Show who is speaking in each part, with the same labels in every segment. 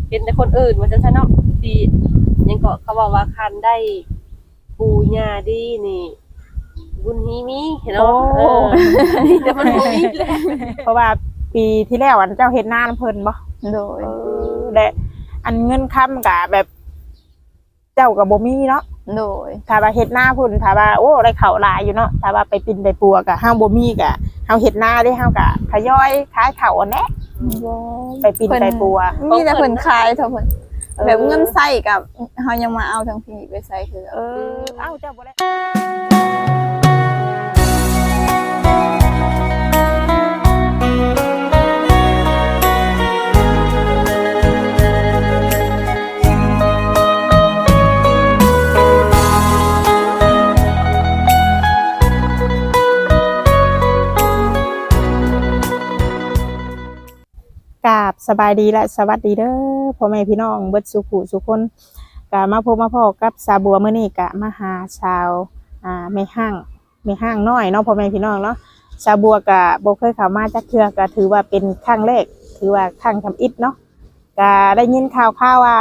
Speaker 1: เป็นแต่คนอื่นว่าซั่นซะเนาะที่ยังก็เขาว่าคันได้ปู่ย่าดีนี่บุญฮีมีเนาะแต่มันบ่มีแหละ
Speaker 2: เพราะว่าปีที่แล้วอันเจ้าเฮ็ดนาเพิ่นบ่
Speaker 3: โดย
Speaker 2: และอันเงินค้ำก็แบบเจ้าก็บ่มีเนาะ
Speaker 3: โดย
Speaker 2: ถ้าว่าเฮ็ดนาพุ่นถ้าว่าโอ้ได้ข้าวหลายอยู่เนาะถ้าว่าไปปินไปปัวก็เฮาบ่มีก็เฮาเฮ็ดนาได้เฮาก็ทยอยขายข้าวอันแหละไปปินไปปัว
Speaker 3: มีแต่เพิ่นขายเท่าเพิ่นแบบเงินใส่กับเฮายังมาเอาทั้งพี่ไปใส่คือ
Speaker 2: เอ้าเจ้าบ่ได้ กราบสบายดีและสวัสดีเด้อพ่อแม่พี่น้องเบิดสุขุสุคนกะมาพบมาพ่อกับสาบัวมื้อนี้กะมาหาชาวแม่ห้างน้อยเนาะพ่อแม่พี่น้องเนาะสาบัวกะบ่เคยเข้ามาจักเทื่อก็ถือว่าเป็นครั้งแรกถือว่าครั้งทำอิฐเนาะกะได้ยินข่าวว่า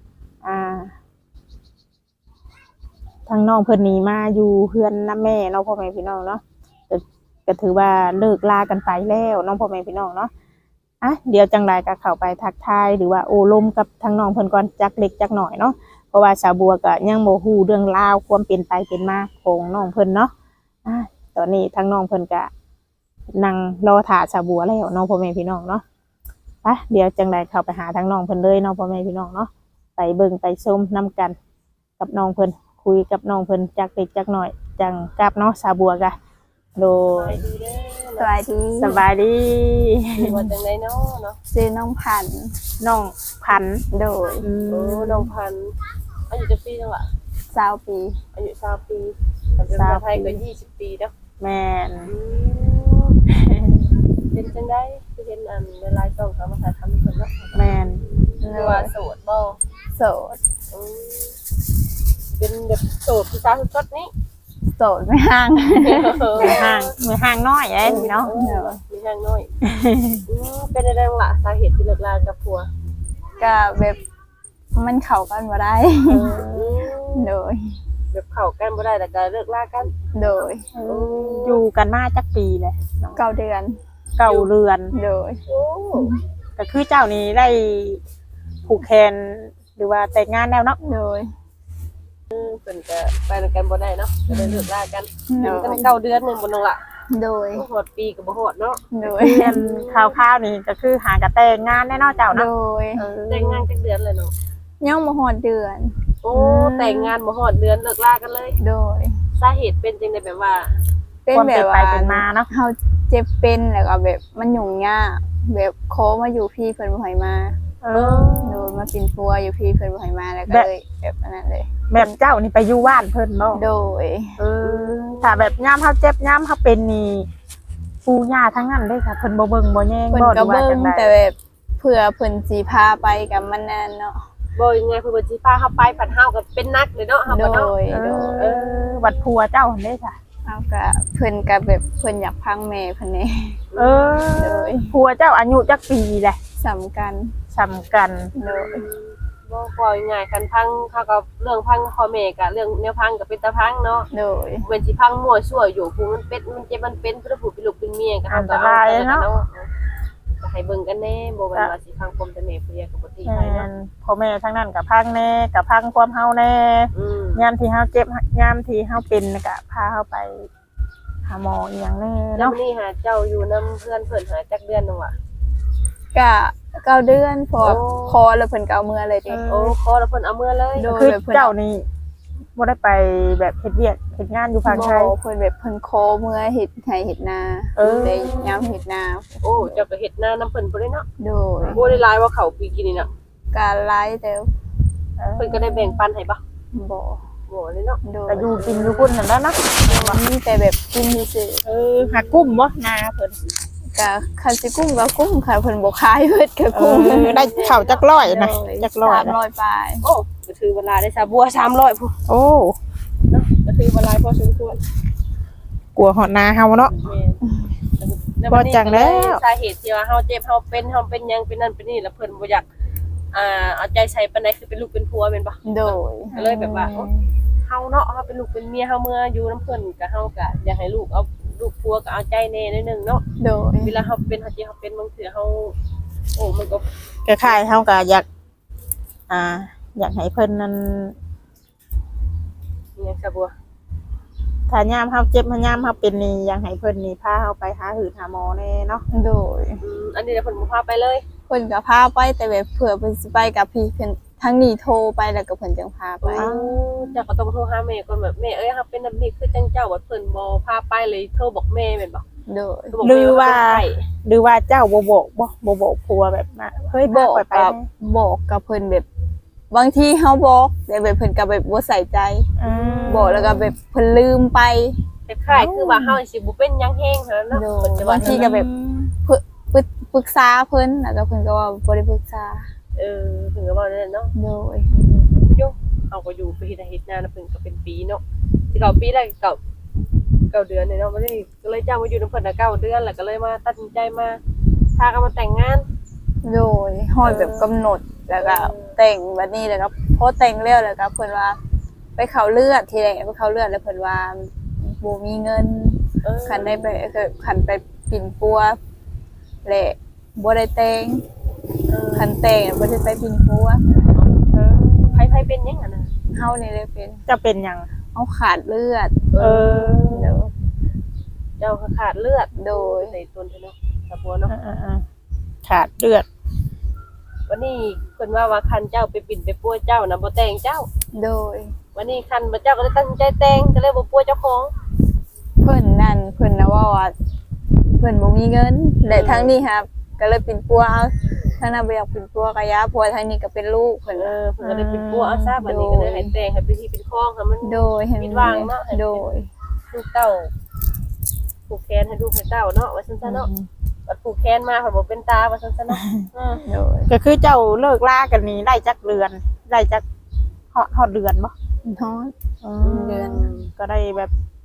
Speaker 2: ทางน้องเพิ่นนี่มาอยู่เฮือนนำแม่เนาะพ่อแม่พี่น้องเนาะก็ถือว่าเลิกลากันไปแล้วน้องพ่อแม่พี่น้องเนาะเดี๋ยวจังไรก็เข้าไปทักทายหรือว่าโอ้ลมกับทางน้องเพิ่นก่อนจักเล็กจักหน่อยเนาะเพราะว่าสาวบัวก็ยังบ่ฮู้เรื่องราวความเป็นไปเป็นมาของน้องเพิ่นเนาะตอนนี้ทางน้องเพิ่นก็นั่งรอท่าสาวบัวแล้วน้องพ่อแม่พี่น้องเนาะเดี๋ยวจังไรเข้าไปหาทางน้องเพิ่นเลยน้องพ่อแม่พี่น้องเนาะไปเบิ่งไปชมนํกันกับน้องเพิ่นคุยกับน้องเพิ่นจักเล็กจักหน่อยจังกลับเนาะสาวบัวกะโดย
Speaker 3: สวัสดี
Speaker 2: สบายดี
Speaker 1: ว่าจังได๋เนาะ
Speaker 3: ชื่อน้องพันธุ์
Speaker 2: น้องพันธุ์
Speaker 3: โดย
Speaker 1: โอ้น้องพันธุ์อายุจักปีจังล่ะ
Speaker 3: 20 ปี
Speaker 1: อายุ20ปีแต่เป็นคนไทยก็20ปีเนาะ
Speaker 2: แม่น
Speaker 1: เป็นจังได๋คือเห็นอันในไลน์ต้องเขามาถ่ายทำเพิ่นเนาะ
Speaker 2: แม่น
Speaker 1: คือว่าโสดบ่
Speaker 3: โสด
Speaker 1: เป็นแบบโสดผู้สาวคือก๊ดนี้
Speaker 3: โสดไม่ห่าง
Speaker 2: มือห่างน้อยเอ้ยเนาะ
Speaker 1: มีทางน้อยเป็นอะไรบ้างล่ะสาเหตุที่เลิกลากับผัว
Speaker 3: ก็แบบมันเข้ากันบ่ได้ โดย
Speaker 1: แบบเข้ากันบ่ได้แต่ก็เลิกลากัน
Speaker 3: โดย
Speaker 2: อยู่กันมาจักปีเลย
Speaker 3: 9 เดือน
Speaker 2: เก่าเรือน
Speaker 3: โดย
Speaker 1: โอ้
Speaker 2: ก็คือเจ้านี้ได้ผูกแขนหรือว่าแต่งงานแล้วเนาะ
Speaker 3: โดย
Speaker 1: เพิ่นก็ไปด้วยกันบ่ได้เนาะก็เลยเลิกลากัน
Speaker 3: โด
Speaker 1: กัน
Speaker 3: ย
Speaker 1: 9 เดือนนึงบ่น้องล่ะ
Speaker 3: โดย
Speaker 1: ฮอดปีก็บ่ฮอดเนาะ
Speaker 3: โดย
Speaker 2: เรียนข่าวๆนี่ก็คือหากระแต่งงานแน่เนอนเจ้า
Speaker 3: โด
Speaker 2: เนาะ
Speaker 3: ย
Speaker 1: แต่งงานจักเดือนเลยเนาะ
Speaker 3: ยังบ่ฮอดเดือน
Speaker 1: โอ้แต่งงานบ่ฮอดเดือนเลิกลากันเลย
Speaker 3: โดย
Speaker 1: สาเหตุเป็นจังได๋แบบว่า
Speaker 3: เป็น
Speaker 2: ความ
Speaker 3: แบ
Speaker 2: เป็น
Speaker 3: บ
Speaker 2: ไป
Speaker 3: ว่า
Speaker 2: เป็นมาเนาะ
Speaker 3: เฮาเจ็บเป็นแล้วก็แบบมันยุ่งยากแบบโคมาอยู่พี่เพิ่นบ่ให้มาโดยมาปินปัวอยู่พี่เพิ่นบ่ให้มาแล้วก็เลยแบบอันนั้นเลย
Speaker 2: แบบเจ้านี่ไปอยู่บ้านเพิ่นบ่
Speaker 3: โดย
Speaker 2: ถ้าแบบย่ามเฮาเจ็บย่ามเฮาเป็นนี่ปู่ย่าทั้งนั้นเลยค่ะเพิ่นบ่เบิ่งบ่แยง
Speaker 3: เพิ่น
Speaker 2: บ่ห
Speaker 3: ก็
Speaker 2: รือว่า
Speaker 3: เบิ่
Speaker 2: จั
Speaker 3: ง
Speaker 2: งได๋
Speaker 3: แต่แบบเผื่อเพิ่นสิพาไปกับมันนั่นเนาะ
Speaker 1: บ่ยังไงเพิ่นบ่สิพาเฮาไปปัดเฮาก็เป็นนักเลยเนาะเฮา
Speaker 3: โด
Speaker 1: ก็เนาะ
Speaker 3: ยโดย
Speaker 2: วัดพัวเจ้าหั่นเด้ค่ะ
Speaker 3: เอาก็เพิ่นก็แบบเพิ่นอยากพังแม่เพิ่นนี่ โดย
Speaker 2: พัวเจ้าอายุจักปีแหละ
Speaker 3: สำคัญ
Speaker 2: สำคัญ
Speaker 3: โดย
Speaker 1: บ่ปล่อยง่ายกันพังเขาก็เรื่องพังพ่อแม่ก็เรื่องแนวพังก็เป็นตาพังเนาะ
Speaker 3: โดย
Speaker 1: เว้นสิพังมั่วซั่วอยู่ผู้มันเป็ดมันเจ็บมันเป็นเพื่อผู้เป็นลูกเป็นเมียก็เฮาก็เอาก็ให้เบิ่งกันแน่บ่ว่าสิพังปมแต่แม่ผู้เดียวก็บ่ดี
Speaker 2: แม่
Speaker 1: ให้เนาะ
Speaker 2: นพ่อแม่ทั้งนั้นกับพังแน่กับพังความเฮาแน่ยามที่เฮาเจ็บยามที่เฮาเป็นก็พาเฮาไปหาหมออีหยังแน่
Speaker 1: แล้ว
Speaker 2: เนาะ
Speaker 1: นี่หาเจ้าอยู่นำเพื่อนเพิ่นหาจักเดือนนึงว่ะ
Speaker 3: ก็9 เดือนพอคอแล้วเพิ่นก็เอามือเลยดิ
Speaker 1: โอ้ขอแล้วเพิ่นเอามือเลย
Speaker 3: โดย
Speaker 2: คือเจ้านี่บ่ได้ไปแบบเฮ็ดเวียกเฮ็ดงานอยู่ภาคไทย
Speaker 3: เพิ่นแบบเพิ่นโคมือเฮ็ดให้เฮ็ดนาได้ยามเฮ็ดนา
Speaker 1: โอ้เจ้าก็เฮ็ดหน้านำเพิ่นบ่ได้เนาะ
Speaker 3: โดย
Speaker 1: บ่ได้หลายว่าเขาปีกินนี่น่ะ
Speaker 3: การไล่แต่
Speaker 1: เพิ่นก็ได้แบ่งปันให้บ่
Speaker 3: บ่
Speaker 1: บ่เลยเนาะ
Speaker 3: โดย
Speaker 2: ก็อยู่กินอยู่พุ่นนั่นแหละเนาะ
Speaker 3: มีแต่แบบกินซื่อ
Speaker 2: หากุ้มบ่นาเพิ่น
Speaker 3: ๆก็คันสิกุ้งก็กุ้งค่ะเพิ่นบ่ขายเบิดก็กุ้ง
Speaker 2: ได้ข้าวจักร้อยนะจักร้อย
Speaker 3: 300ปลาย
Speaker 1: โอ้ก็ถือเวลาได้ซาบัว300พุ่น
Speaker 2: โอ้
Speaker 1: เนาะก็ถือเวลาพอสมควร
Speaker 2: กลัวหอดนาเฮาเนาะ
Speaker 1: บ่จังแล้วสาเหตุที่ว่าเฮาเจ็บเฮาเป็นหยังเป็นนั่นเป็นนี่แล้วเพิ่นบ่อยากเอาใจใส่ปานใดคือเป็นลูกเป็นผัวแม่นบ่
Speaker 3: โดย
Speaker 1: ก็เลยแบบว่าเฮาเนาะเฮาเป็นลูกเป็นเมียเฮาเมื่ออยู่น้ำเพิ่นก็เฮาก็อยากให้ลูกเอาลูกผัวก็เอาใจแน่นิดนึงเนาะ
Speaker 3: โดย
Speaker 1: เวลาเฮาเป็นเฮาสิเฮาเป็นบางเทื่อเฮาโอ้มันก็
Speaker 2: คล้ายๆเฮาก็อยากอยากให้เพิ่นนั้น
Speaker 1: อิหยังซะบัว
Speaker 2: ถ้ายามเฮาเจ็บยามเฮาเป็นนี่อยากให้เพิ่นนี่พาเฮาไปหาหืดหาหมอแน่เนาะ
Speaker 3: โดย
Speaker 1: อันนี้เดี๋ยวเพิ่นบ่พาไปเลย
Speaker 3: เพิ่นก็พาไปแต่แบบเผื่อเพิ่นสิไปกับพี่เพิ่นทั้งนี้โทรไปแล้วก็เพิ่นจังพาไป
Speaker 1: เจ้าก็ต้องโทรหาแม่ก่อนแบบแม่เอ้ยเฮาเป็นแบบนี้คือจังเจ้าว่าเพิ่นบ่พาไปเลยโทรบอกแม่แม่นบ่
Speaker 3: โดย
Speaker 1: โทรบอก
Speaker 2: หรื
Speaker 1: แม่
Speaker 2: อว่า
Speaker 1: เพิ่นไป
Speaker 2: หรือว่าเจ้าบ่บอกบ่บอกผัวแบบมาเฮ้ย
Speaker 3: บอก
Speaker 2: พาไป
Speaker 3: กับ
Speaker 2: แน่
Speaker 3: บอกกับเพิ่นแบบบางทีเฮาบอกแต่แบบเพิ่นก็แบบบ่ใส่ใจ บอกแล้วก็แบบเพิ่นลืมไป
Speaker 1: คล้ายๆคือว่าเฮาสิบ่เป็นหยังแฮงเท่านั้นเนาะ
Speaker 3: โด
Speaker 1: เพิ่นจะ
Speaker 3: บางทีก็แบบปรึกษาเพิ่นแล้วก็เพิ่นก็ว่าบ่ได้ปรึกษา
Speaker 1: เพิ่นก็เว้านั่นเนาะ
Speaker 3: โดย
Speaker 1: โยเอาก็อยู่ไปเฮ็ดเฮ็ดนานะเพิ่นก็เป็นปีเนาะสิเก่าปีแรกเก้าเดือนเนาะบ่ได้ก็เลยจ้างมาอยู่นำเพิ่นน่ะ9เดือนแล้วก็เลยมาตัดสินใจมาพากันมาแต่งงาน
Speaker 3: โดยฮอดแบบกำหนดแล้วก็แต่งบัดนี้แล้วก็พอแต่งแล้วแล้วก็เพิ่นว่าไปเข้าเลือดทีแรกไปเข้าเลือดแล้วเพิ่นว่าบ่มีเงินคันได้ไปคันไปปิ่นปัวแหละบ่ได้แต่งคันแต่งบ่ได้ไปปิ่นปัว
Speaker 1: ไผเป็นหยังอ่ะนะ
Speaker 3: เฮานี่เลยเป็น
Speaker 2: จะเป็นหยัง
Speaker 3: เฮาขาดเลือด
Speaker 2: เออ
Speaker 3: โดย
Speaker 1: เจ้าก็ขาดเลือด
Speaker 3: โดย
Speaker 1: ใส่ต้นเนาะตะบัวเนาะ
Speaker 2: ขาดเลือด
Speaker 1: วันนี้เพิ่นว่าคันเจ้าไปปิ่นไปปัวเจ้าน่ะบ่แต่งเจ้า
Speaker 3: โดย
Speaker 1: วันนี้คันบ่เจ้าก็เลยตัดสินใจแต่งก็เลยบ่ปัวเจ้าของ
Speaker 3: เพิ่นนั่นเพิ่นนะว่าเพิ่นบ่มีเงินและทั้งนี้ครับก็เลยปิ่นปัวเอาทั้งนั้นบ่อยากปิ่นปัวกะยาปัวทั้งนี้ก็เป็นลูกเพิ่น
Speaker 1: เพิ่นก็เลยปิ่นปัวเอาซะบัดนี้ก็เลยให้แต่งให้เป็นที่เป็นคลองให้มัน
Speaker 3: โดยเห็น
Speaker 1: ปิดวางเนาะ
Speaker 3: โดย
Speaker 1: ลูกเต้าผูกแขนให้ลูกให้เต้าเนาะว่าซั่นซะเนาะบัดผูกแขนมาเพิ่นบ่เป็นตาว่าซั่นซะเนาะ
Speaker 3: โดย
Speaker 2: ก็คือเจ้าเลิกลากันนี้ได้จักเดือนได้จักฮอดเดือนบ่
Speaker 3: น้อย เดือน
Speaker 2: ก็ได้แบบ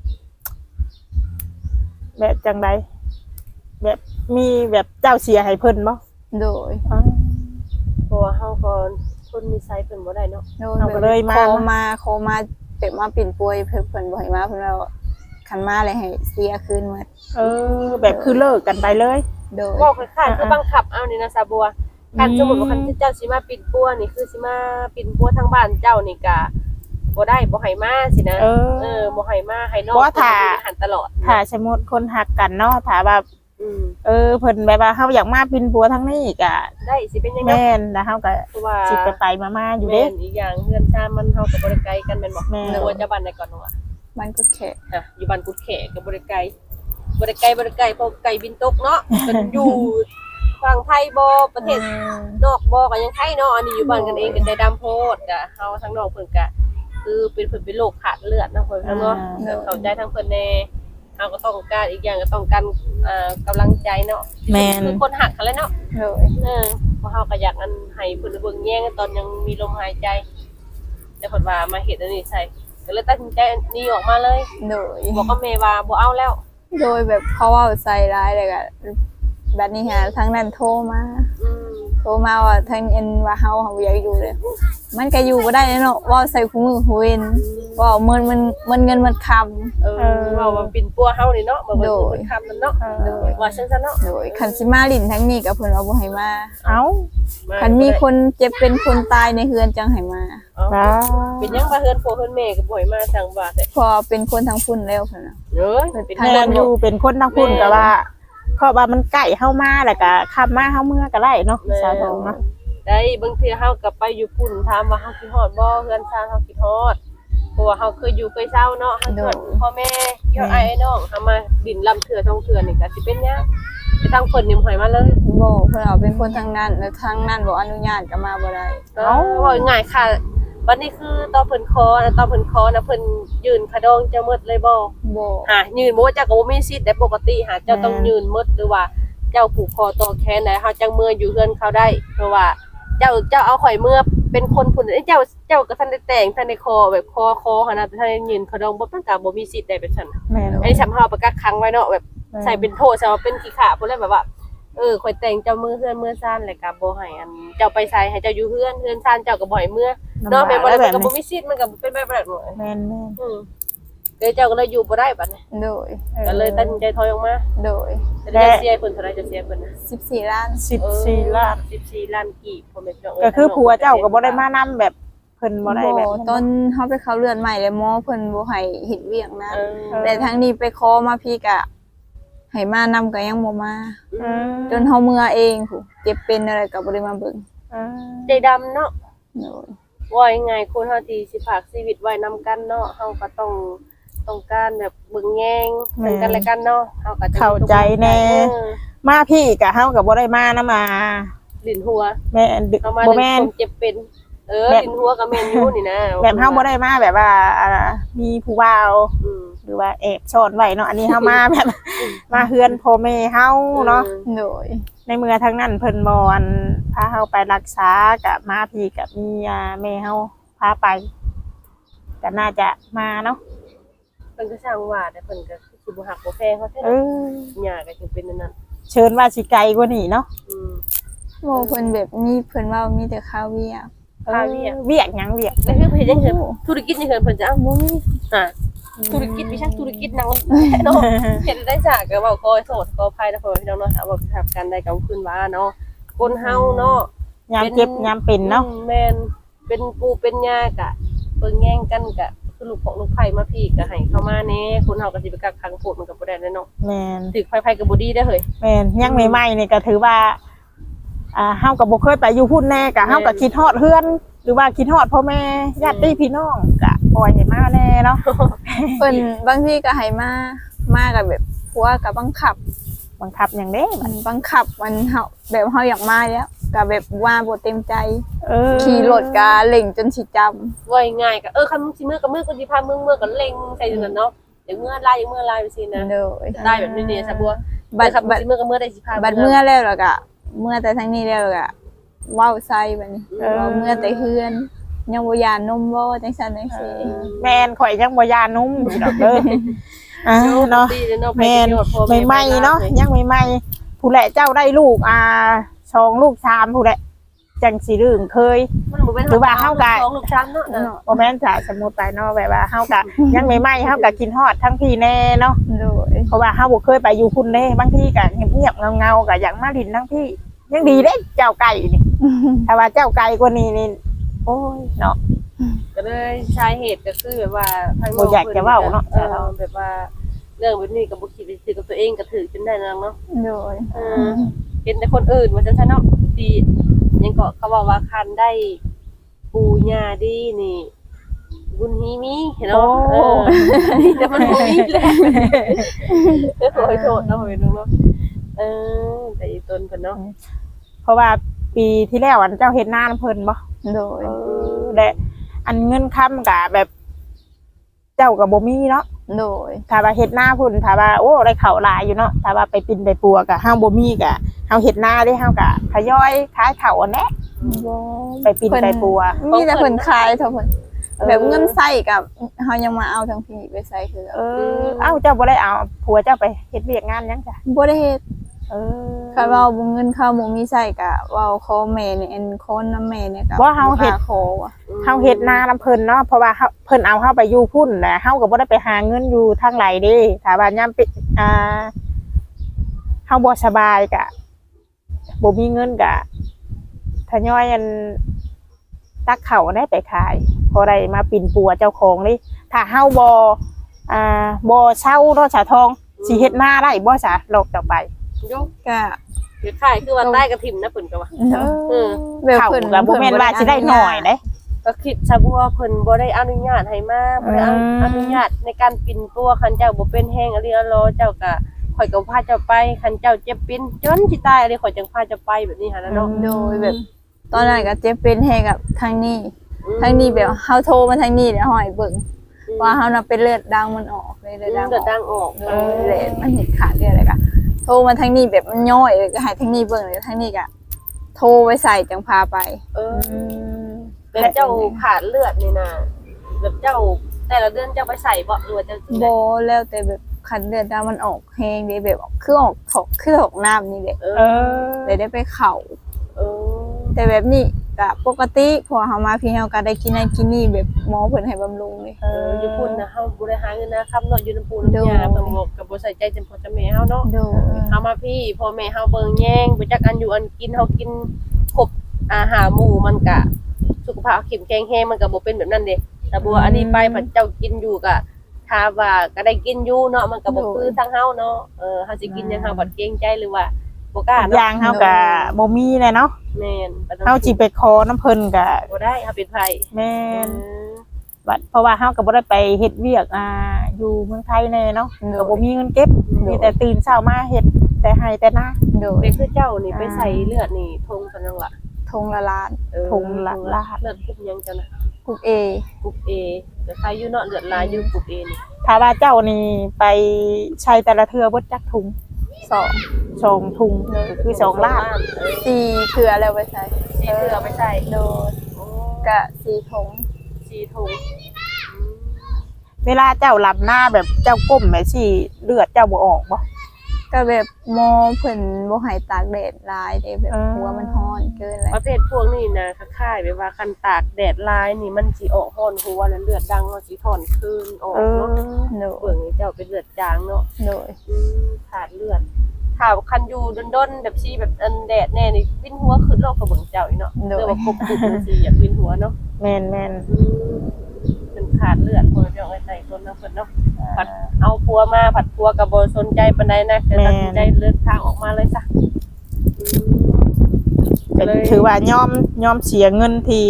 Speaker 2: แบบจังไดแบบมีแบบเจ้าเสียให้เพิ่นบ่
Speaker 3: โดย
Speaker 1: เพราะว่าเฮาก็คนมีไซส์เพิ่นบ่ได้เนาะ
Speaker 3: โดย
Speaker 2: เราก็เลยมา
Speaker 3: โคมาเป็ดมาปิ่นปัวเพิ่นบ่ให้มาเพิ่นว่าคันมาเลยให้เสียคืนหมด
Speaker 2: แบบคือเลิกกันไปเลย
Speaker 3: โดย
Speaker 1: เว้าคล้ายๆคือบังคับเอานี่นะซาบัวคันสมมุติว่าคันเจ้าสิมาปิดปัวนี่คือสิมาปิดปัวทางบ้านเจ้านี่ก็บ่ได้บ่ให้มาสินะบ่ให้มาให้น้องหันตลอด
Speaker 2: ถ้าสมมุติคนหักกันเนาะถ้าว่าเพิ่นแบบว่าเฮาอยากมาปินปัวทั้งนี้ก็
Speaker 1: ได้สิเป็นยังไง
Speaker 2: แม่นแล้วเฮาก็
Speaker 1: เพราะว่า
Speaker 2: สิไปมาอยู่เด้
Speaker 1: แม่นอีกอย่างเฮือนชามันเฮาก็บ่ได้ไกลกันแม่นบ่
Speaker 2: แม่น
Speaker 1: ตัวจะบ้านใดก่อนเนาะ
Speaker 3: มันก็แค่
Speaker 1: อยู่บ้านกุดแขกก็บ่ได้ไกลบ่ได้ไกลเพราะไก่บินตกเนาะก็อยู่ฝั่งไทยบ่ประเทศนอกบ่ก็ยังไทยเนาะอันนี้อยู่บ้านกันเองกันได้ดำโพดก็เฮาทั้งน้องเพิ่นก็คือเป็นเพิ่นเป็นโรคขาดเลือดเนาะเพิ่นเนาะเข้าใจทั้งเพิ่นแน่เฮาก็ต้องการอีกอย่างก็ต้องการกำลังใจเนาะ
Speaker 2: แม่น
Speaker 1: คือคนหักกันแล้วเนาะ
Speaker 3: โดย
Speaker 1: เพราะเฮาก็อยากอันให้เพิ่นเบิ่งแย่งตอนยังมีลมหายใจแต่เพิ่นว่ามาเฮ็ดอันนี้ใส่ก็เลยตัดสินใจหนีออกมาเลย
Speaker 3: โดย
Speaker 1: บอกกับแม่ว่าบ่เอาแล้ว
Speaker 3: โดยแบบเขาว่าใส่ร้ายเลยก็แบบนี้ฮะทั้งนั้นโทรมาว่าทั้งเอ็นว่าเฮาอยากอยู่เลยมันก็อยู่บ่ได้เนาะว่าใส่คู่มือหูเวนว่ามันเงินมันคำ
Speaker 1: ว่าว่าปิ่นปัวเฮานี่เนาะบ่เบิ่งคนคำนั่นเนาะ
Speaker 3: โดย
Speaker 1: ว่าซั่นๆเนาะ
Speaker 3: โดยคันสิมาลิ้นทั้งนี้ก็เพิ่นว่าบ่ให้มา
Speaker 2: เอ้า
Speaker 3: คันมีคนเจ็บเป็นคนตายในเฮือนจังให้มา
Speaker 1: เป็นหยังว่าเฮือนพ่อเฮือนแม่ก็บ่ให้มาจังว่าแต่
Speaker 3: พอเป็นคนทางพุ่นแล้วเพิ่นน่ะ
Speaker 1: เอ้ยเป็น
Speaker 2: แม่นอยู่เป็นคนทางพุ่นก็ว่าเพราะว่ามันใกล้เฮามาแล้วก็ขับมาเฮาเมื่อก็ได้เนาะสาวทองเนาะ
Speaker 1: ได้บางเทื่อเฮาก็ไปอยู่พุ่นถามว่าเฮาคิดฮอดบ่เฮือนชาเฮาคิดฮอดเพราะว่าเฮาเคยอยู่เคยเศร้าเนาะเฮาคิดฮอดพ่อแม่ยอดไอ้น้องเฮามาดินลำเทื่อท่องเทื่อนี่ก็สิเป็นหยังไปทางเพิ่นนี่บ่ให้มาเลย
Speaker 3: บ่เพิ่นเอาเป็นคนทางนั้นแล้วทางนั้นบ่อนุญาตก็มาบ่ได้
Speaker 1: ว่าง่ายค่ะวันนี้คือตอนเพิ่นคอนะเพิ่นยืนขะดองเจ้าหมดเลยบ่
Speaker 3: บ่
Speaker 1: ยืนบ่ว่าเจ้าก็บ่มีสิทธิ์ได้ปกติเจ้าต้องยืนหมดหรือว่าเจ้าผูกคอต่อแขนได้เฮาจังมืออยู่เฮือนเขาได้เพราะว่าเจ้าเอาข่อยมือเป็นคนพุ่นเจ้าก็ทันได้แต่งทันได้คอแบบคอหั่นน่ะแต่ทันได้ยืนขะดองบ่มันก็บ่มีสิทธิ์ได้แบบนั้น
Speaker 2: แม่น
Speaker 1: อันนี้สำเฮาประกาศค้างไว้เนาะแบบใส่เป็นโทษใส่ว่าเป็นขี้ขลาดพุ่นเลยแบบว่าข่อยแต่งเจ้ามือเฮือนมือซ่านแหละก็บ่ให้อันเจ้าไปใส่ให้เจ้าอยู่เฮือนซ่านเจ้าก็บ่ให้เมื่อเนาะแม่นบ่ได้มันก็บ่มีสิทธิ์มันก็เป็นแบบนั้น
Speaker 2: แม่น
Speaker 1: เลยเจ้าก็เลยอยู่บ่ได้บัดนี้
Speaker 3: โดย
Speaker 1: ก็เลยตัดสินใจถอยออกมา
Speaker 3: โดย
Speaker 1: จะเสียเพิ่นเท่าไหร่จะเสียเพิ่นนะ
Speaker 3: 14ล้าน
Speaker 2: 14ล้าน
Speaker 1: 14ล้านกีบพ่อแม่พี่น้อง
Speaker 2: ก็คือผัวเจ้าก็บ่ได้มานำแบบเพิ่นบ่ได้แบบ
Speaker 3: ตอนเฮาไปเข้าเรือนใหม่แล้วหมอเพิ่นบ่ให้เฮ็ดเวียกนะ
Speaker 1: เออ
Speaker 3: แต่ทั้งนี้ไปขอมาพี่ก็ให้มานำก็ยังบ่มา จน
Speaker 2: เ
Speaker 3: เฮาเมื่อเองผู้เจ็บเป็นอะไรก็บ่ได้มาเบิ่ง
Speaker 1: ใจดำเนาะ
Speaker 3: โดย
Speaker 1: ว่ายังไงคนเฮาที่สิฝากชีวิตไว้นำกันเนาะเฮาก็ต้องการแบบเบิ่งแยงซึ่งกันและกันเนาะเฮาก็จะ
Speaker 2: เข้าใจแน่ มาพี่ก็เฮาก็บ่ได้มานํมา
Speaker 1: ลิ้นหัว
Speaker 2: แม่น
Speaker 1: เฮามา
Speaker 2: บ่
Speaker 1: เรื่
Speaker 2: แม่
Speaker 1: อน งคนเจ็บเป็นลิ้นหัวก็แม่นอยู่นี่นะ
Speaker 2: แบบเฮาบ่ได้มาแบบว่ามีผู้บ่าว
Speaker 1: อืม
Speaker 2: หรือว่าแอบซ่อนไว้เนาะอันนี้เฮามาแบบ มาเฮือนพ่อแม่เฮาเนาะ
Speaker 3: โดย
Speaker 2: ในเมื่อทั้งนั้นเพิ่นบ่อันพาเฮาไปรักษากับมาพี่กับมีแม่เฮาพาไปก็น่าจะมาเนาะ
Speaker 1: เพิ่นก็สร้างว่าแต่เพิ่นก็สิบ่ฮักบ่แพงเขาแท้
Speaker 2: เออ
Speaker 1: หญ้าก็จึงเป็นนั่นน่ะ
Speaker 2: เชิญว่าสิไกลกว่านี้เนาะ
Speaker 3: โมเพิ่นแบบมีเพิ่นว่ามีแต่ข้าวเวียก
Speaker 1: ค่าเวียก
Speaker 2: เวียกหยังเวียก
Speaker 1: แล้วคือเพิ่นยังเห็นธุรกิจนี่เพิ่นจะเอาบ่มีธุรกิจวิชาธุรกิจนางเนาะเฮ็ดได้จากก็เว้าขอโทษขออภัยนะพ่อพี่น้องเนาะถ้าว่าทำกันได้กับคืนว่าเนาะคนเฮาเนาะ
Speaker 2: ยามเจ็บยามเป็นเนาะ
Speaker 1: แม่นเป็นปูเป็นยากะเบิ่งแย่งกันกะคือลูกของลูกไผ่มาพี่ก็ให้เข้ามาแน่คนเฮาก็สิไปกักขังโพดมันก็บ่ได้แน่เนาะ
Speaker 2: แม่น
Speaker 1: ถึกไผๆก็บ่ดีได้อเฮ้ย
Speaker 2: แม่นยังใหม่ๆนี่ก็ถือว่าเฮาก็บ่เคยไปอยู่พุ่นแน่ก็เฮาก็คิดฮอดเฮือน หรือว่าคิดฮอดพ่อแม่ญาติพี่น้องก็ปล่อยให้มาแน่เนาะ
Speaker 3: เพิ่นบางทีก็ให้มากับแบบผัวก็บังคับ
Speaker 2: บังคับหยังเด้
Speaker 3: มันบังคับมันเฮาแบบเฮาอยากมาแล้วก็แบบว่าบ่เต็มใจ
Speaker 2: อ
Speaker 3: ขี่รถก็เล่งจนสิจำ
Speaker 1: ว่าง่ายๆก็คันมึงสิมื้อก็มื้อกูสิพามึงมื้อก็เล็งใส่อยู่นั่นเนาะเดี๋ยวมื้อลายอย่างมื้อลายไปสินะ
Speaker 3: โดย
Speaker 1: ได้แบบนี้ๆซะบัว
Speaker 3: บัด
Speaker 1: ครับสิมื้อก็มื้อได้สิพา
Speaker 3: บัดเมื่อแล้วแล้วก็เมื่อแต่ทั้งนี้แล้วก็เว้าใส่บัดนี้เว้าเมื่อแต่เฮือนยังบ่ยานนมบ่จังซั่นจังซี่
Speaker 2: แม่นข่อยยังบ่ยานุ่มอยู่ดอกเด้อเนาะ แม่นใหม่ๆเนาะยังใหม่ๆผู้แหละเจ้าได้ลูก2ลูก3ผู้แหละจังสิลืมเคย
Speaker 1: มันบ่เป็น
Speaker 2: หรือว่าเฮาก็
Speaker 1: สองลูกช้ำเนาะ
Speaker 2: บ่แม่นจะสมมุติไปเนาะแบบว่าเฮาก็ยังใหม่ๆเฮาก็กินฮอดทั้งพี่แน่เนาะ
Speaker 3: โดย
Speaker 2: เพราะว่าเฮาบ่เคยไปอยู่พุ่นเด้บางทีก็เงียบๆเงาๆก็อยากมาดินทั้งพี่ยังดีเด้เจ้าไก่นี่ถ้าว่าเจ้าไก่กว่านี้นี่โอ้ยเนาะ
Speaker 1: ก็เลยสาเหตุก็คือแบบว่าทาง
Speaker 2: บ่อยากจะเว้าเนาะ
Speaker 1: แบบว่าเรื่องแบบนี้ก็บ่คิดไปถือกับตัวเองก็ถือจนได้นางเนาะ
Speaker 3: โดย
Speaker 1: เห็นแต่คนอื่นว่าจังซั่นเนาะดียังก็เขาบอกว่าคันได้ปูญาดีนี่ บุญฮีมีเนาะแต่มันบ่มีแหละขอโทษเนาะเพิ่นเนาะแต่อีต้นเพิ่นเนาะ
Speaker 2: เพราะว่าปีที่แล้วอันเจ้าเฮ็ดนาเพิ่นบ่
Speaker 3: โดย
Speaker 2: และอันเงินค้ำก็แบบเจ้าก็บ่มีเนาะ
Speaker 3: โดย
Speaker 2: ถ้าว่าเฮ็ดนาพุ่นถ้าว่าโอ้ได้ข้าวหลายอยู่เนาะถ้าว่าไปปินไปปัวก็เฮาบ่มีก็เฮาเฮ็ดนาได้เฮาก็ทยอยขายข้าวอันแหละไปปินไปปัว
Speaker 3: มีแต่เพิ่นขายเท่าเพิ่นแบบเงินใส่กับเฮายังมาเอาทั้งพี่ไปใส่คือ
Speaker 2: เอ้าเจ้าบ่ได้เอาผัวเจ้าไปเฮ็ดเวียกงานหยังจ้ะ
Speaker 3: บ่ได้เฮ็ด
Speaker 2: คัน
Speaker 3: เว้าบ่เงินเข้าบ่มีใส่ก็เว้าขอแม่นี่อันคนนำแม่เนี่ยก็
Speaker 2: ว่าเฮาเฮ็ด
Speaker 3: ขอว่ะ
Speaker 2: เฮาเฮ็ดนานํเพิ่นเนาะเพราะว่าเพิ่นเอาเฮาไปอยู่พุ่นแหละเฮาก็บ่ได้ไปหาเงินอยู่ทางไหลเด้ถ้าว่ายามเฮาบ่สบายก็บ่มีเงินก็ทยอยอันตักข้าวได้ไปขายพอได้มาปิ่นปัวเจ้าของเลยถ้าเฮาบ่เช่าเนาะสาทองสิเฮ็ดนาได้บ่ซะลอกต่อไป
Speaker 1: ยก
Speaker 3: ก็
Speaker 1: เดี๋ยวขายคือว่าใต้กระถิ่มนะเพิ่นก็ว่า
Speaker 3: แบบ
Speaker 2: เขา
Speaker 3: เพิ่น
Speaker 2: ก็บ่แม่นว่าสิได้น้อยเด้
Speaker 1: ก็คิดซะบ่ว่าเพิ่นบ่ได้อนุญาตให้มาบ่ได้อนุญาตในการปิ่นตัวคันเจ้าบ่เป็นแฮงอริอรอเจ้าก็ข่อยก็พาเจ้าไปคันเจ้าเจ็บปิ่นจนสิตายอะไรข่อยจังพาเจ้าไปแบบนี้หั่นนะเนาะ
Speaker 3: โดยแบบ ตอนนั้นก็เจ็บเป็นแฮกับทางนี้ทางนี้แบบเฮาโทรมาทางนี้แล้วห้อยเบิ่งว่าเฮาน่ะเป็นเลือดดังมันออกเลยเลือดดัง
Speaker 1: เดือดดังออก
Speaker 3: เลยมันเห็นขาดเลือดอะไรก็โทรมาทางนี้แบบมันย่อยเลยก็ให้ทางนี้เบิ่งเลยทางนี้ก็โทรไว้ใส่จังพาไป
Speaker 1: แบบเจ้าขาดเลือดนี่นะแบบเจ้าแต่ละเดือนเจ้าไปใส่บ่หรือว่าเจ้า
Speaker 3: บ่แล้วแต่แบบคันเลือดดำมันออกแห้งเด้แบบคือออกถกคือออกน้ำนี่แหละ
Speaker 2: เออ
Speaker 3: เลยได้ไปเข่า
Speaker 1: เออ
Speaker 3: แต่แบบนี้ก็ปกติพอเฮามาพี่เฮาก็ได้กินนั่นกินนี่แบบหมอเพิ่นให้บำรุงเลย
Speaker 1: อยู่พุ่นนะเฮาบ่ได้หาเงินนะครับเนาะอยู่น้ำปูน้ำยาเพิ่นบอกก็บ่ใส่ใจจำพ่อจำแม่เฮาเนาะ
Speaker 3: โดย
Speaker 1: เฮามาพี่พ่อแม่เฮาเบิ่งแย่งบ่จักอันอยู่อันกินเฮากินครบอาหารหมู่มันก็สุขภาพเข้มแข็งแรงมันก็บ่เป็นแบบนั้นเด้แต่บัวอันนี้ไปพระเจ้ากินอยู่ก็ถ้าว่าก็ได้กินอยู่เนาะมันก็บ่คือทางเฮาเนาะเฮาสิกินหยังเฮาบ่เกรงใจหรือว่าบ่กล้า
Speaker 2: อ
Speaker 1: เนาะ
Speaker 2: ย่างเฮาก็บ่มีเลยเนาะ
Speaker 1: แม่น
Speaker 2: เฮาสิไปขอน้ำเพิ่นก็
Speaker 1: บ่ได้เฮาเป็นไผ
Speaker 2: แม่นบัดเพราะว่าเฮาก็บ่ได้ไปเฮ็ดเวียกอยู่เมืองไทยแน่เนาะก็บ่มีเงินเก็บมีแต่ตื่นเช้ามาเฮ็ดแต่ให้แต่นา
Speaker 3: โดย
Speaker 1: เด็กคือเจ้านี่ไปใส่เลือดนี่ทงกันจังล่ะ
Speaker 3: ทงละล้าน
Speaker 2: ทงละลาด
Speaker 1: เลือดกรุ๊ปยังจังนะ
Speaker 3: กรุ๊ป A
Speaker 1: กรุ๊ป A แต่ใครอยู่เนาะเลือดลายอยู่กรุ๊ป A นี่
Speaker 2: ถ้าว่าเจ้านี่ไปใช้แต่ละเทื่อเบิดจักถุง
Speaker 3: 2
Speaker 2: 2ถุงก็คือ2ลาด
Speaker 3: 4เทื่อแล้วไปใส่
Speaker 1: สีเลือไม่ใส่
Speaker 3: โดยก็4ถุง
Speaker 1: สีทง
Speaker 2: เวลาเจ้าลำหน้าแบบเจ้าก้มแม่สิเลือดเจ้าบ่ออกบ่
Speaker 3: ก็แบบหมอเพิ่นบ่ให้ตากแดดหลายเด้แบบหัวมันร้อนเกินแล้ว
Speaker 1: ประเภทพวกนี้นะคล้ายๆแบบว่าคันตากแดดลายนี่มันสิออกฮ้อนหัวแล้วเลือดดังมันสิถอนคืนออกเนาะ
Speaker 3: โด
Speaker 1: เบิ่งเจ้าเป็นเลือดจางเนาะ
Speaker 3: โดย
Speaker 1: ขาดเลือดถ้าคันอยู่ด้นๆแบบชีแบบอันแดดแน่นี่วินหัวขึ้นโลกกับเบิ่งเจ้าอีเนาะเรียกว่ากบกุบจังซี่อยากวินหัวเนาะ
Speaker 2: แม่น
Speaker 1: เป็นขาดเลือดคนเดียวไอ้ใจคนเนาะเพิ่นเนาะผัดเอาผัวมาผัดผัวก็บ่สนใจปานใดนะแต่ตัดสินใจเลือกทางออกมาเลยซะ
Speaker 2: ๆก็ถือว่ายอมเสียเงินที่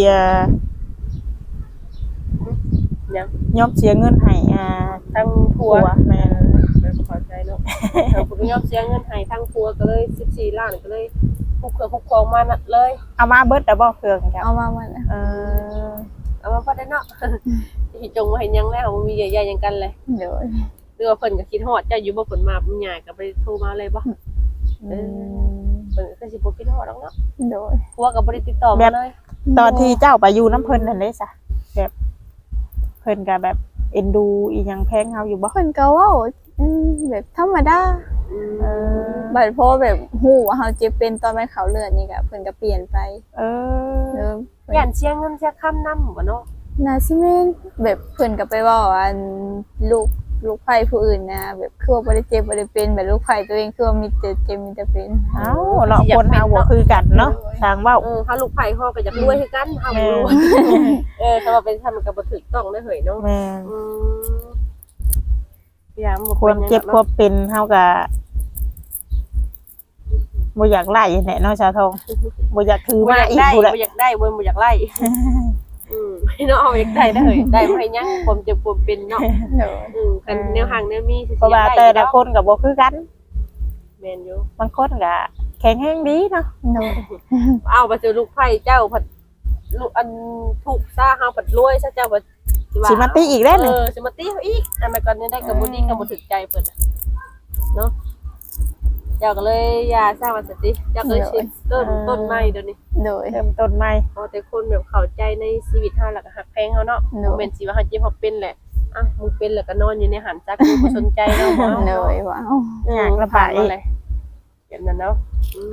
Speaker 1: ยัง
Speaker 2: ยอมเสียเงินให้
Speaker 1: ทั้งผัว
Speaker 2: แม่น
Speaker 1: ไม่พอใจเนาะทางผู้ยอมเสียเงินให้ทั้งผัวก็เลย14ล้านก็เลยคุกเครือคุกครองมานั่นเลย
Speaker 2: เอามาเบิดแต่บ่เครื่องจ้ะ
Speaker 3: เอามามัน
Speaker 2: เออ
Speaker 1: เอามาพอได้เนาะสิจงว่าเห็นยังแล้วบ่มีใหญ่ๆหยังกันเลย
Speaker 3: โดย
Speaker 1: หรือว่าเพิ่นก็คิดฮอดเจ้าอยู่บ่เพิ่นมาเพิ่นย้ายก็ไปโทรมาเลยบ่เพิ่นก็สิบ่คิดฮอดดอกเนาะ
Speaker 3: โดย
Speaker 1: ผัวก็บ่ได้ติดต่อมาเลย
Speaker 2: ตอนที่เจ้าไปอยู่น้ำเพิ่นนั่นเด้ซะแบบเพิ่นก็แบบเอ็นดูอีหยังแพงเฮาอยู่บ่
Speaker 3: เพิ่นก็เว้าแบบธรรมดา
Speaker 2: เออ
Speaker 3: บัดเพราะแบบฮู้ว่าเฮาเจ็บเป็นตอนมันเข้าเลือดนี่ก็เพิ่นก็เปลี่ยนไป
Speaker 2: เออ
Speaker 1: ย่านเสียเงินเสียค่านำบ่เนาะ
Speaker 3: น่าสิแม่นแบบเพิ่นก็ไปเว้าว่าลูกไผผู้อื่นนะแบบคือว่าบ่ได้เจ็บบ่ได้เป็นแบบลูกไผตัวเองคือว่ามีแต่เจ็บมีแต่เป็น
Speaker 2: เอ้าเนาะคนเฮาบ่คือกันเนาะทางเว้า
Speaker 1: เฮาลูกไผเฮาก็อยากรวยคือกันเฮาบ่รวยถ้าว่าเป็นทำมันก็บ่ถูกต้องเด้อเฮ้ยเนาะ
Speaker 2: แม่น
Speaker 1: ยามบ่
Speaker 2: ความเจ็บความเป็นเฮาก็บ่อยากไล่แหละเนาะชาวทองบ่อยากถือ
Speaker 1: บ่
Speaker 2: มา
Speaker 1: อยาก
Speaker 2: อีก
Speaker 1: ได้
Speaker 2: พู้นแหละ
Speaker 1: บ่อยากได้บ่อยากไล่เนาะเอาอยากได้เด้อเฮ้ยได้บ่ให้ยังความเจ็บความเป็นเนาะ
Speaker 3: โดย
Speaker 1: กันแนวห่างแนวมีสิ
Speaker 2: เพราะว่าแต่ละคนก็บ่คือกัน
Speaker 1: แม่นอยู่
Speaker 2: บางคนก็แข็งแรงดีเนาะ
Speaker 3: โดย
Speaker 1: เอาไปเจอลูกไผ่เจ้าผัดลูกอันถูกซ่าเฮาผัดรวยซะเจ้าผัด
Speaker 2: สิมาตีอีกแล้วนี่
Speaker 1: สิมาตีเขาอีกอันนั้นก่อนนี้ได้กับบ่ดีกับบ่ถึกใจเพิ่นเนาะเจ้าก็เลยอย่าสร้างมันสติเจ้าก็เลยสิต้นไม้เดี๋ยวนี้
Speaker 3: โดย
Speaker 2: เริ่มต้นใหม่
Speaker 1: เอาแต่คนแบบเข้าใจในชีวิตเฮาแล้วก็ฮักแพงเฮาเนาะบ่แม่นสิว่าเฮาเจ็บเฮาเป็นแหละมึงเป็นแล้วก็นอนอยู่ในหันจักมึงบ่สนใจเนาะบ่
Speaker 3: โดยว้าว
Speaker 2: อยากระบาย
Speaker 1: เลยแบบนั้นเนาะ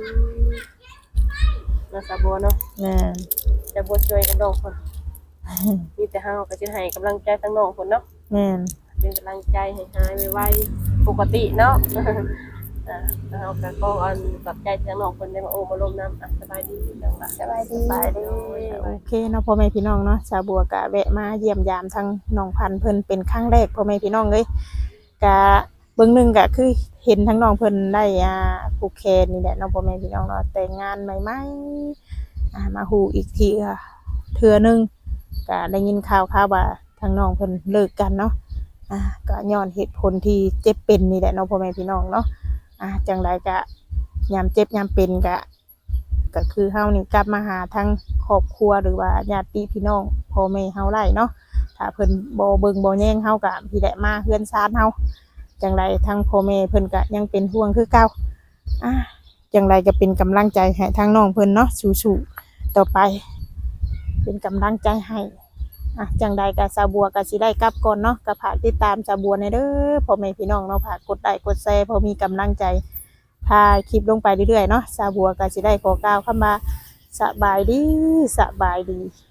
Speaker 1: น่าสะบัวเนาะ
Speaker 2: แม่น
Speaker 1: จะบ่ช่วยกันน้องคนมีแต่เฮาก็สิให้กำลังใจทั้งน้องคนเนาะ
Speaker 2: แม่น
Speaker 1: เป็นกำลังใจให้หายไวๆปกติเนาะแล้วเฮาก็ขออันปรับใจทั้งน้องคนได้มาโอ้มาร่วมน้ำสบายดีจังล่ะ
Speaker 3: สบายดี
Speaker 2: โอเคเนาะพ่อแม่พี่น้องเนาะชาวบัวก็แวะมาเยี่ยมยามทั้งน้องพันธุ์เพิ่นเป็นครั้งแรกพ่อแม่พี่น้องเอ้ยก็เบิ่งหนึงก็คือเห็นทั้งน้องเพิ่นได้ผูกแขนนี่แหละเนาะพ่อแม่พี่น้องเนาะแต่งงานใหม่ๆมาฮู้อีกทีเทื่อนึงก็ได้ยินข่าวว่าทั้งน้องเพิ่นเลิกกันเนาะก็ย้อนเหตุผลที่เจ็บเป็นนี่แหละเนาะพ่อแม่พี่น้องเนาะจังไดก็ยามเจ็บยามเป็นก็คือเฮานี่กลับมาหาทั้งครอบครัวหรือว่าญาติพี่น้องพ่อแม่เฮาได้เนาะถ้าเพิ่นบ่เบิ่งบ่แย่งเฮาก็พี่แหละมาเฮือนซานเฮาจังไดทั้งพ่อแม่เพิ่นก็ยังเป็นห่วงคือเก่าจังไดก็เป็นกำลังใจให้ทั้งน้องเพิ่นเนาะสู้ๆต่อไปเป็นกำลังใจให้จังใดก็สาวบัวก็สิได้กลับก่อนเนาะก็ฝากติดตามสาวบัวในเด้อพ่อแม่พี่น้องเนาะฝากกดไลค์กดแชร์พอมีกำลังใจพาคลิปลงไปเรื่อยๆเนาะสาวบัวก็สิได้ขอกล่าวคำว่าสบายดี